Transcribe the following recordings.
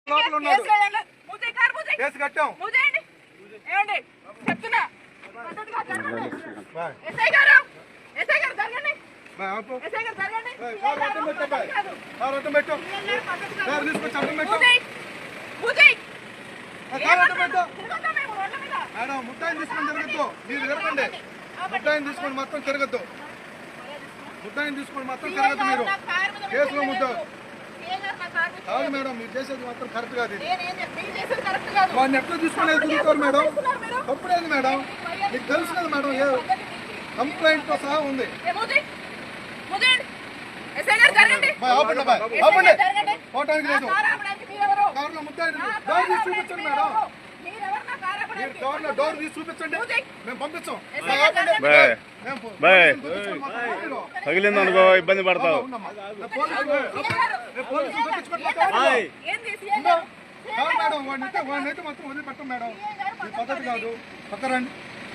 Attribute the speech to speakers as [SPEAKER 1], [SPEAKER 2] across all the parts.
[SPEAKER 1] Case కట్టాం. చెప్తున్నా madam ముట్టాయిని తీసుకొని తిరగద్దు. మీరు తిరగండి. ముట్టాయిని తీసుకొని మొత్తం తిరగద్దు. ముట్టాయిని తీసుకొని మొత్తం తిరగద్దు. మీరు కేసులో ముద్ద కాదు మేడం. మీరు చేసేది మాత్రం కరెక్ట్ కాదు. వాడిని ఎట్లా తీసుకునేది తిరుగుతారు మేడం. తప్పుడేది మేడం. మీకు తెలుసు కదా మేడం. ఏ కంప్లైంట్ తో సహా ఉంది. పోవటానికి లేదు. కార్లో ముద్దాయి డోర్ తీసి చూపించండి మేడం. మీరు డోర్ తీసి చూపించండి. మేము పంపించాం.
[SPEAKER 2] తగిలింది అనుకో ఇబ్బంది పడతావు.
[SPEAKER 1] మేడం వాడినైతే మొత్తం వదిలిపెట్టం మేడం. ఇది పద్ధతి కాదు. పక్కరండి.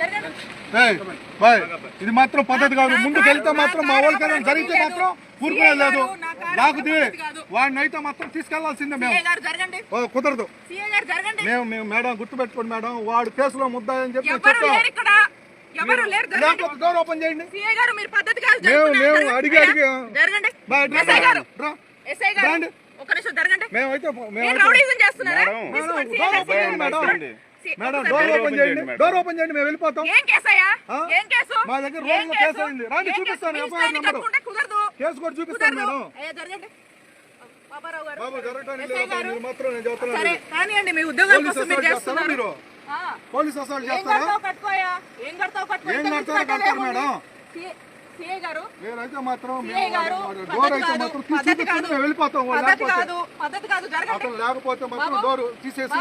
[SPEAKER 1] ఇది మాత్రం పద్ధతి కాదు. ముందుకు వెళ్తే మాత్రం మా వాళ్ళకి జరిగితే మాత్రం ఊరుకునే లేదు. లేకపోతే వాడిని అయితే మాత్రం తీసుకెళ్లాల్సిందే. మేము కుదరదు. మేము మేడం గుర్తుపెట్టుకోండి మేడం. వాడు కేసులో ముద్దాయని చెప్పి డోర్ ఓపెన్ చేయండి. మేము అడిగి మేమైతే మేడం డోర్ ఓపెన్ చేయండి. డోర్ ఓపెన్ చేయండి. మేము వెళ్ళిపోతాం. మా దగ్గర రోజులో కేసు అయింది. రాండి చూపిస్తాను. ఎఫ్ఐఆర్ నెంబర్ కేసు కూడా చూపిస్తాను మేడం. బాబు జరగడానికి లేదు మాత్రం నేను చెప్తున్నాను. మీరు పోలీస్ అసలు చేస్తారా? ఏం కడతారు మేడం? నేనైతే మాత్రం డోర్ అయితే మాత్రం చూపిస్తాను. మేము వెళ్ళిపోతాం. అతను లేకపోతే మాత్రం డోర్ తీసేసి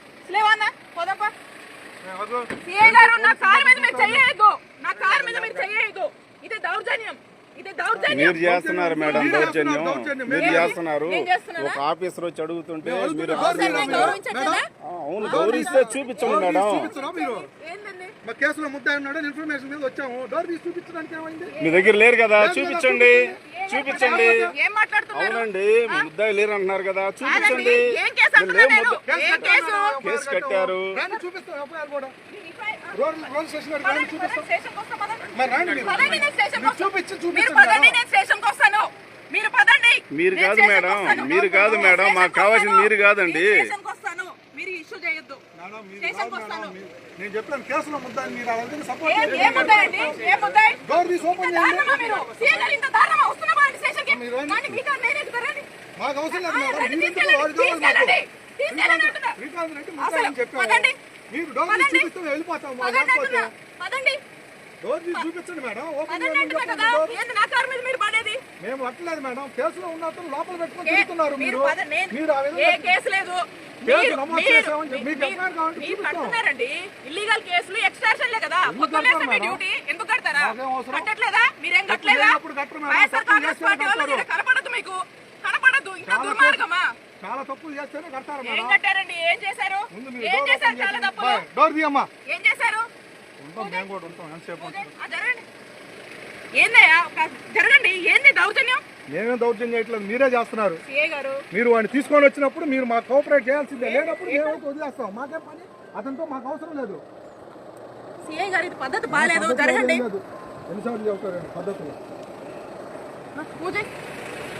[SPEAKER 2] మీరు చేస్తున్నారు మేడం. దౌర్జన్యం మీరు చేస్తున్నారు. ఒక ఆఫీసర్ వచ్చి అడుగుతుంటే మీరు అవును గౌరవిస్తే చూపించండి మేడం.
[SPEAKER 1] కేసులో ముద్దాయి ఉన్నాడు ఇన్ఫర్మేషన్ మీద వచ్చాము. డోర్ తీసి చూపించడానికి ఏమైంది?
[SPEAKER 2] మీ దగ్గర లేరు కదా చూపించండి. అవునండి ముద్దాయి లేరు అంటున్నారు కదా చూపించండి. కేసు కట్టారు. మీరు కాదు మేడం. మీరు కాదు మేడం. మాకు కావాల్సింది మీరు కాదండి.
[SPEAKER 1] నేను చెప్పాను కేసులో ముద్దాయి. మీరు సపోర్ట్ డోర్ తీసి ఓపెన్ చేయండి. మాకు అవసరం లేదు మేడం. మీరు డోర్ తీసి చూపిస్తే వెళ్ళిపోతాం. డోర్ తీసి చూపించండి మేడం. ఓపెన్ మేము అట్లేదు మేడం. కేసులో ఉన్నట్టు లోపల పెట్టుకొని తిరుగుతున్నారు. మీరు
[SPEAKER 3] ఇల్లీగల్ కేసులు ఎక్స్ట్రాషన్లే కదా. ఎందుకు కడతారా? కట్టట్లేదా? మీరేం కట్టలేదా? కనపడదు మీకు. కనపడదు. ఇంకా దుర్మార్గమా?
[SPEAKER 1] చాలా తప్పులు చేస్తేనే కడతారు.
[SPEAKER 3] ఏం కట్టారండి? ఏం చేశారు? ఏం చేశారు? చాలా తప్పులు
[SPEAKER 1] డోర్ తీయమ్మా.
[SPEAKER 3] ఏం చేశారు?
[SPEAKER 1] మేము కూడా ఉంటాం. ఎంతసేపు
[SPEAKER 3] ఏందయ్యా జరగండి. ఏంది దౌర్జన్యం?
[SPEAKER 1] మేమేం దౌర్జన్యం చేయట్లేదు. మీరే చేస్తున్నారు. మీరు వాడిని తీసుకొని వచ్చినప్పుడు మీరు మాకు కోఆపరేట్ చేయాల్సిందే. లేనప్పుడు మేమైతే వదిలేస్తాం. మాకేం పని? అతనితో మాకు అవసరం లేదు.
[SPEAKER 3] సిఐ గారు ఇది పద్ధతి బాగాలేదు. జరగండి.
[SPEAKER 1] ఎన్నిసార్లు చెబుతారండి పద్ధతులు?